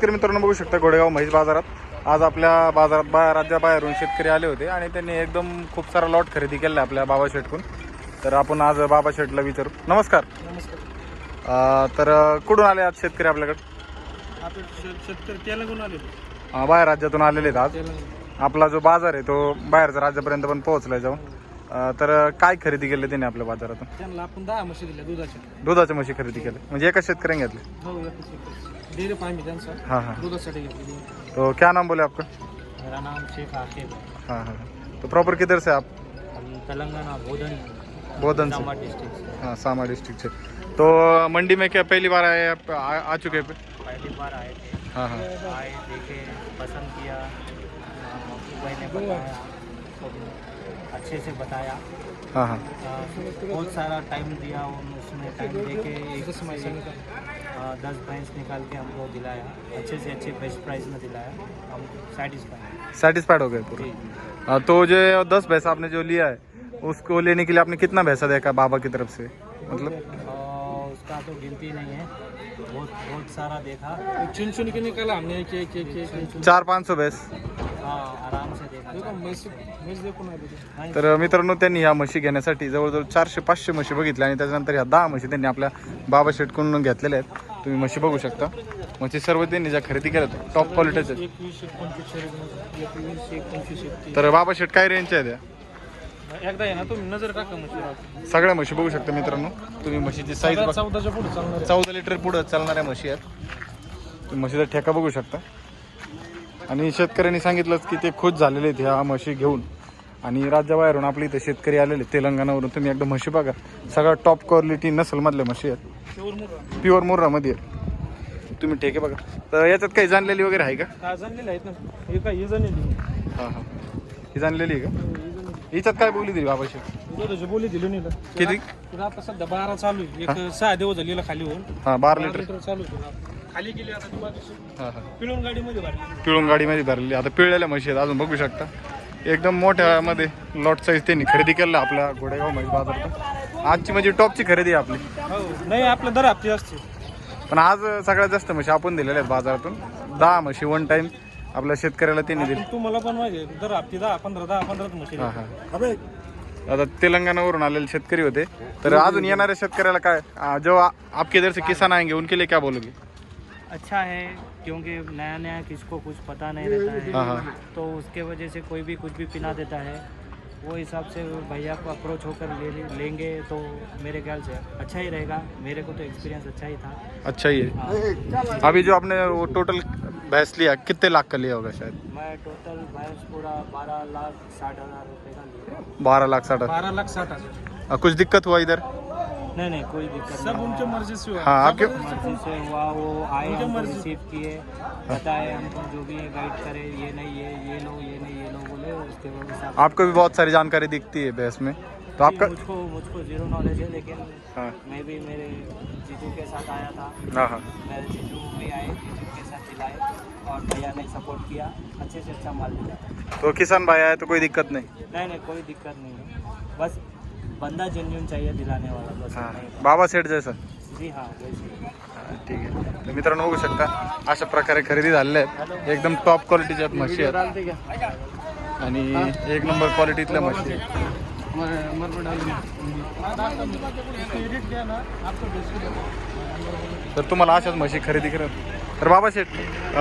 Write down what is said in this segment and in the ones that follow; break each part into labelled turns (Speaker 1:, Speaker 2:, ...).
Speaker 1: शेतकरी मित्रांनो बघू शकता गोडेगाव म्हैस बाजारात आज आपल्या बाजारात राज्याबाहेरून शेतकरी आले होते आणि त्यांनी एकदम खूप सारा लॉट खरेदी केला आपल्या बाबा शेटकडून. तर आपण आज बाबा शेटला विचारू. नमस्कार.
Speaker 2: नमस्कार.
Speaker 1: तर कुठून आले आज शेतकरी आपल्याकडे?
Speaker 2: आपण शेतकरी तेलंगण आले.
Speaker 1: बाहेर राज्यातून आलेले आहेत आज.
Speaker 2: तेलंगण.
Speaker 1: आपला जो बाजार आहे तो बाहेरच्या राज्यापर्यंत पण पोहोचलाय जाऊन. तर काय खरेदी केली त्यांनी आपल्या बाजारातून?
Speaker 2: त्यांना आपण 10 म्हशी दिल्या
Speaker 1: दुधाच्या म्हशी खरेदी केल्या म्हणजे एका शेतकऱ्याने घेतले?
Speaker 2: हो, डेरी फार्म है त्यांचा.
Speaker 1: हाँ हाँ.
Speaker 2: दुधासाठी घेतली.
Speaker 1: तो क्या नाम बोले आपका?
Speaker 2: मेरा नाम शेख आकिब है.
Speaker 1: हाँ हाँ. तो प्रॉपर किधर से आप?
Speaker 2: हम तेलंगाना
Speaker 1: बोधन से.
Speaker 2: सामा डिस्ट्रिक्ट से.
Speaker 1: हाँ सामा डिस्ट्रिक्ट से. तो मंडी में क्या पहली बार आए आप? आ चुके पे?
Speaker 2: पहली बार आए थे.
Speaker 1: हाँ हाँ.
Speaker 2: आए, देखे, पसंद किया, भाई ने बताया, अच्छे से बताया.
Speaker 1: हाँ हाँ.
Speaker 2: बहुत सारा टाइम दिया उसने. टाइम देके 10 भैंस निकाल के हमको दिलाया. अच्छे से अच्छे बेस्ट प्राइस में दिलाया. हम
Speaker 1: सेटिस्फाइड हो गए पूरे? तो जो 10 भैंसा आपने जो लिया है उसको लेने के लिए आपने कितना भैंसा देखा बाबा की तरफ से? मतलब
Speaker 2: उसका तो गिनती नहीं है. बहुत सारा देखा. चुन के निकाला हमने. एक
Speaker 1: 400-500 भैंस.
Speaker 2: हाँ, आराम से देखा.
Speaker 1: तर मित्रांनो त्यांनी ह्या म्हशी घेण्यासाठी जवळजवळ 400-500 म्हशी बघितल्या आणि त्याच्यानंतर ह्या 10 म्हशी त्यांनी आपल्या बाबा शेटकडून घेतलेल्या आहेत. तुम्ही म्हशी बघू शकता. म्हशी सर्व त्यांनी ज्या खरेदी केल्या टॉप क्वालिटीच्या. तर बाबा शेट काय रेंजच्या आहेत?
Speaker 2: एकदा आहे ना तुम्ही नजर टाका म्हशी.
Speaker 1: सगळ्या म्हशी बघू शकता मित्रांनो तुम्ही. म्हशीची साईज
Speaker 2: 14च्या पुढे चालणार.
Speaker 1: 14 लिटर पुढे चालणाऱ्या म्हशी आहेत. तुम्ही म्हशीचा ठेका बघू शकता. आणि शेतकऱ्यांनी सांगितलंच की ते खुश झालेले आहेत ह्या म्हशी घेऊन. आणि राज्याबाहेरून आपल्या इथे शेतकरी आलेले तेलंगणावरून. तुम्ही एकदा म्हशी बघा. सगळ्या टॉप क्वालिटी नसलमधल्या म्हशी आहेत. प्युअर मुर्रामध्ये आहेत. तुम्ही ठेके बघा. तर याच्यात काही जाणलेली वगैरे आहे का?
Speaker 2: काय जाणलेले आहेत ना. हे काय ही जाणलेली.
Speaker 1: हां हां. ही जाणलेली आहे का? हिच्यात काय बोलली दिली बाबाशी?
Speaker 2: दुधाची बोली दिली नाही.
Speaker 1: किती?
Speaker 2: तुला आता सध्या 12 चालू आहे. एक 6 दिवस झालेला खाली होऊन.
Speaker 1: हां 12 लिटर
Speaker 2: चालू आहे. खाली गेली आता ती बाजूची.
Speaker 1: हां हां.
Speaker 2: पिळून गाडीमध्ये भरली.
Speaker 1: पिळून गाडीमध्ये भरलेली. आता पिळलेल्या म्हशी आहेत अजून बघू शकता. एकदम मोठ्यामध्ये लॉट साईज त्यांनी खरेदी केलं आपल्या गोडेगाव म्हैस बाजारातून. आजची म्हणजे टॉपची खरेदी आहे आपली.
Speaker 2: हो नाही आपल्या दर हप्ते असते.
Speaker 1: पण आज सगळ्यात जास्त म्हशी आपण दिलेल्या आहेत बाजारातून. 10 म्हशी वन टाइम आपल्या शेतकऱ्याला त्यांनी दिली.
Speaker 2: तुम्हाला पण माहिती दर हप्ते 10-15 म्हशी.
Speaker 1: हां हां. आता तेलंगानावरून आलेले शेतकरी होते. तर अजून येणाऱ्या शेतकऱ्याला काय जो आपके इधर से किसान आएंगे उनके लिए क्या बोलोगे?
Speaker 2: अच्छा है क्योंकि नया नया किसको कुछ पता नहीं रहता है.
Speaker 1: हाँ हाँ.
Speaker 2: तो उसके वजह से कोई भी कुछ भी पिला देता है. वो हिसाब से भैया को अप्रोच होकर लेंगे तो मेरे ख्याल से अच्छा ही रहेगा. मेरे को तो एक्सपीरियंस अच्छा ही था.
Speaker 1: अच्छा ही है. अभी जो आपने वो टोटल भैंस लिया कितने लाख का लिया होगा शायद?
Speaker 2: मैं टोटल भैंस पूरा 12,60,000 रुपये का लिया.
Speaker 1: 12,60,000.
Speaker 2: 12,60,000.
Speaker 1: कुछ दिक्कत हुआ इधर?
Speaker 2: नहीं कोई दिक्कत सब उनके मर्जी से हुआ.
Speaker 1: हाँ आपके
Speaker 2: मर्जी से हुआ. वो आए हमको रिसीव किए बताए हमको जो भी गाइड करे. ये नहीं ये लो ये नहीं ये लो बोले. उसके बाद
Speaker 1: आपको भी बहुत सारी जानकारी दिखती है भैंस में. तो आपका
Speaker 2: मुझको जीरो नॉलेज है. लेकिन
Speaker 1: हाँ
Speaker 2: मैं भी मेरे जीजू के साथ आया था.
Speaker 1: हाँ हाँ.
Speaker 2: मेरे जीजू भी आए. जीजू के साथ दिलाए और भैया ने सपोर्ट किया. अच्छे से अच्छा माल दिया.
Speaker 1: तो किसान भाई आया तो कोई दिक्कत नहीं?
Speaker 2: नहीं कोई दिक्कत नहीं है. बस बंदा जेन्युइन चाहिए दिलाने वाला. बस
Speaker 1: हां
Speaker 2: नहीं.
Speaker 1: बाबा सेठ जैसा.
Speaker 2: जी हाँ वैसे.
Speaker 1: ठीक आहे. तर मित्रांनो बघू शकता अशा प्रकारे खरेदी झालेल्या आहेत. एकदम टॉप क्वालिटीच्या म्हशी आहेत आणि एक नंबर क्वालिटीतल्या म्हशी आहेत. तर तुम्हाला अशाच म्हशी खरेदी करत तर बाबा शेठ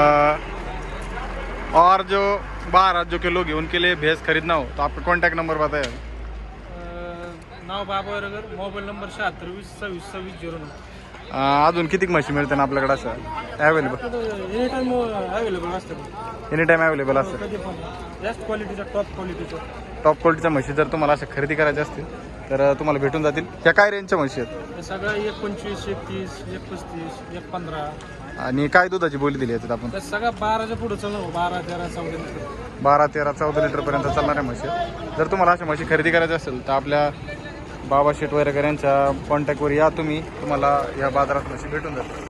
Speaker 1: और जो बाहर राज्यों के लोग हैं उनके लिए भैंस खरीदना हो तो आपका कॉन्टैक्ट नंबर बताया?
Speaker 2: नाव बाबा नगर. मोबाईल नंबर 76
Speaker 1: अजून किती म्हशी मिळते ना आपल्याकडे असं अवेलेबल?
Speaker 2: एनी टाइम अवेलेबल असते.
Speaker 1: एनी टाइम अवेलेबल असतं.
Speaker 2: कधी पण बेस्ट क्वालिटीचा टॉप क्वालिटीचा.
Speaker 1: टॉप क्वालिटीच्या म्हशी जर तुम्हाला अशा खरेदी करायच्या असतील तर तुम्हाला भेटून जातील. ह्या काय रेंजच्या म्हशी आहेत?
Speaker 2: हे सगळं 1.25, 1.30, 1.35, 1.15.
Speaker 1: आणि काय दुधाची बोली दिली याच्यात आपण?
Speaker 2: तर सगळं 12च्या पुढे चालू. 12, 13, 14 लिटर.
Speaker 1: 12, 13, 14 लिटरपर्यंत चालणाऱ्या म्हशी आहेत. जर तुम्हाला अशा म्हशी खरेदी करायच्या असेल तर आपल्या बाबा शेट वैरकर यांच्या कॉन्टॅक्टवर या तुम्ही. तुम्हाला या बाजारात म्हशी भेटून जातील.